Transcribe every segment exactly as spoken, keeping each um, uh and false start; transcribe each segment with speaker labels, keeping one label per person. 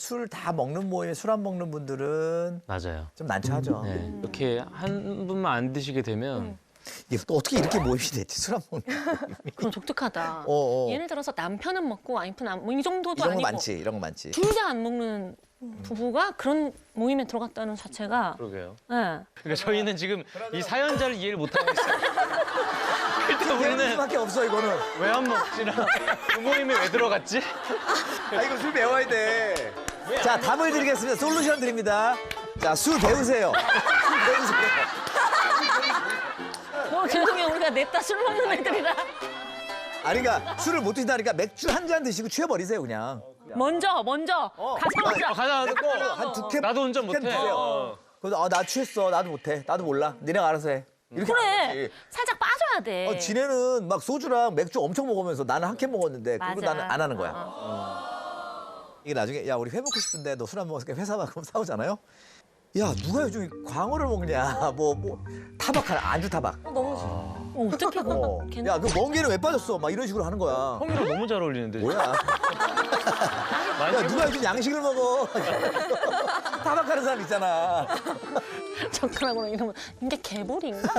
Speaker 1: 술 다 먹는 모임에 술 안 먹는 분들은
Speaker 2: 맞아요.
Speaker 1: 좀 난처하죠.
Speaker 2: 네. 이렇게 한 분만 안 드시게 되면
Speaker 3: 음.
Speaker 1: 이게 또 어떻게 이렇게 모임이 됐지? 술 안 먹는 모임이.
Speaker 3: 그럼 독특하다.
Speaker 1: 어, 어.
Speaker 3: 예를 들어서 남편은 먹고 와이프는 안, 뭐이 정도도
Speaker 1: 이런 거
Speaker 3: 아니고
Speaker 1: 많지, 이런 거 많지.
Speaker 3: 둘 다 안 먹는 부부가 그런 모임에 들어갔다는 자체가
Speaker 2: 그러게요.
Speaker 3: 네.
Speaker 2: 그러니까 저희는 지금 이 사연자를 이해를 못하고 있어요. 일단
Speaker 1: 우리는
Speaker 2: 우리는
Speaker 1: 수밖에 없어 이거는.
Speaker 2: 왜 안 먹지나 그 모임에 왜 들어갔지?
Speaker 1: 아 이거 술 배워야 돼. 자 답을 드리겠습니다. 솔루션 드립니다. 자 술 배우세요. 술 배우세요.
Speaker 3: 뭐 죄송해요. 우리가 냈다 술 먹는 애들이라.
Speaker 1: 아니 그러니까 술을 못 드신다니까 맥주 한 잔 드시고 취해버리세요 그냥.
Speaker 3: 먼저 먼저 가서 먹자.
Speaker 2: 어, 가자 듣고
Speaker 1: 한두 캔.
Speaker 2: 나도 운전
Speaker 1: 두 캔
Speaker 2: 못해.
Speaker 1: 드세요.
Speaker 2: 어.
Speaker 1: 그래서 아, 나 취했어. 나도 못해. 나도 몰라. 니네가 알아서 해. 이렇게
Speaker 3: 그래.
Speaker 1: 하는
Speaker 3: 살짝 빠져야 돼.
Speaker 1: 거지. 어, 지네는 막 소주랑 맥주 엄청 먹으면서 나는 한 캔 먹었는데 그거
Speaker 3: 맞아.
Speaker 1: 나는 안 하는 거야.
Speaker 3: 어.
Speaker 1: 이게 나중에 야 우리 회 먹고 싶은데 너 술 안 먹었으니까 회사 가면 싸우잖아요. 야 누가 요즘 광어를 먹냐. 뭐 뭐 타박 하나 안주 타박.
Speaker 3: 어, 어떻게
Speaker 1: 어.
Speaker 3: 그거 괜
Speaker 1: 야 그 멍게는 왜 빠졌어? 막 이런 식으로 하는 거야.
Speaker 2: 형이랑 너무 잘 어울리는데.
Speaker 1: 뭐야?
Speaker 2: 많이
Speaker 1: 야 누가 요즘 양식을 먹어? 타박하는 사람 있잖아.
Speaker 3: 젓가락으로 이러면 이게 개불인가?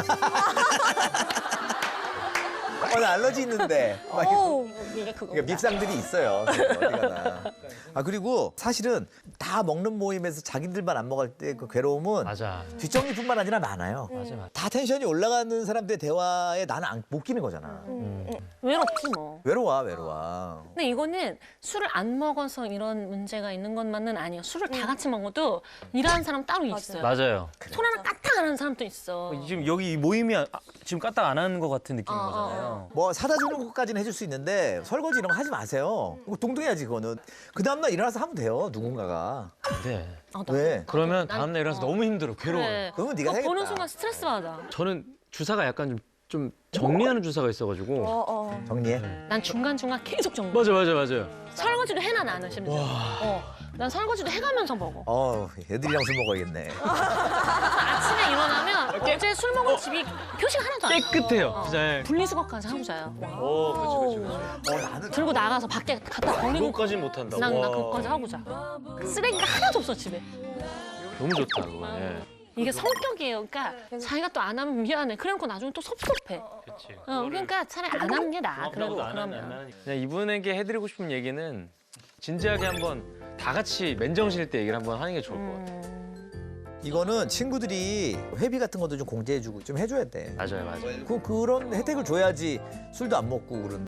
Speaker 1: 어, 나 알러지 있는데. 막 이렇게.
Speaker 3: 오 이게 그거.
Speaker 1: 그러니까 밉상들이 있어요. 어디 가나. 아 그리고 사실은 다 먹는 모임에서 자기들만 안 먹을 때 그 괴로움은
Speaker 2: 맞아.
Speaker 1: 뒷정리뿐만 아니라 많아요.
Speaker 2: 맞아 맞아.
Speaker 1: 다 텐션이 올라가는 사람들의 대화에 나는 안, 못 끼는 거잖아.
Speaker 3: 외롭지 뭐.
Speaker 1: 외로워 외로워.
Speaker 3: 근데 이거는 술을 안 먹어서 이런 문제가 있는 것만은 아니에요. 술을 다 같이 먹어도 일하는 사람 따로 있어요.
Speaker 2: 맞아요.
Speaker 3: 손 하나 까딱 안 하는 사람도 있어.
Speaker 2: 지금 여기 이 모임이 아, 지금 까딱 안 하는 것 같은 느낌인
Speaker 3: 어, 어,
Speaker 2: 거잖아요.
Speaker 1: 뭐 사다 주는 것까지는 해줄 수 있는데 설거지 이런 거 하지 마세요. 이거 동등해야지 그거는. 그 다음날 일어나서 하면 돼요 누군가가.
Speaker 2: 네.
Speaker 3: 어, 나-
Speaker 1: 왜?
Speaker 2: 그러면
Speaker 3: 난-
Speaker 2: 다음날 일어나서
Speaker 3: 어.
Speaker 2: 너무 힘들어. 괴로워.
Speaker 3: 그래.
Speaker 1: 그러면 네가
Speaker 3: 그거
Speaker 1: 해야겠다.
Speaker 3: 보는 순간 스트레스 받아.
Speaker 2: 저는 주사가 약간 좀, 좀 정리하는 주사가 있어가지고.
Speaker 4: 어, 어.
Speaker 1: 정리해.
Speaker 3: 난 중간중간 계속 정리.
Speaker 2: 맞아 맞아 맞아요.
Speaker 3: 설거지도 해놔 나는 심지어. 어. 난 설거지도 해가면서 먹어.
Speaker 1: 어 애들이랑 술 먹어야겠네.
Speaker 3: 아침에 일어나면 어제 술 먹은 집이 표시가 하나도 안 나.
Speaker 2: 깨끗해요.
Speaker 3: 어.
Speaker 2: 진짜. 예.
Speaker 3: 분리수거까지 하고 자요.
Speaker 2: 오, 그렇지 그렇지 그렇지.
Speaker 1: 어 나는
Speaker 3: 들고 나가서 밖에 갖다 버리고
Speaker 2: 그거까지는 못한다.
Speaker 3: 난, 나
Speaker 2: 와.
Speaker 3: 그거까지 하고 자. 쓰레기가 하나도 없어 집에.
Speaker 2: 너무 좋다 그거. 예.
Speaker 3: 이게 성격이에요. 그러니까 자기가 또 안 하면 미안해. 그래놓고 나중에 또 섭섭해.
Speaker 2: 그렇지.
Speaker 3: 어, 그러니까 차라리 안 하는 게 나아. 그래도 그러면.
Speaker 2: 그냥 이분에게 해드리고 싶은 얘기는 진지하게 한번 다 같이 맨정신일 때 얘기를 한번 하는 게 좋을 것 같아요.
Speaker 3: 음,
Speaker 1: 이거는 친구들이 회비 같은 것도 좀 공제해주고 좀 해줘야 돼.
Speaker 2: 맞아요 맞아요.
Speaker 1: 그 그런 혜택을 줘야지 술도 안 먹고 그런.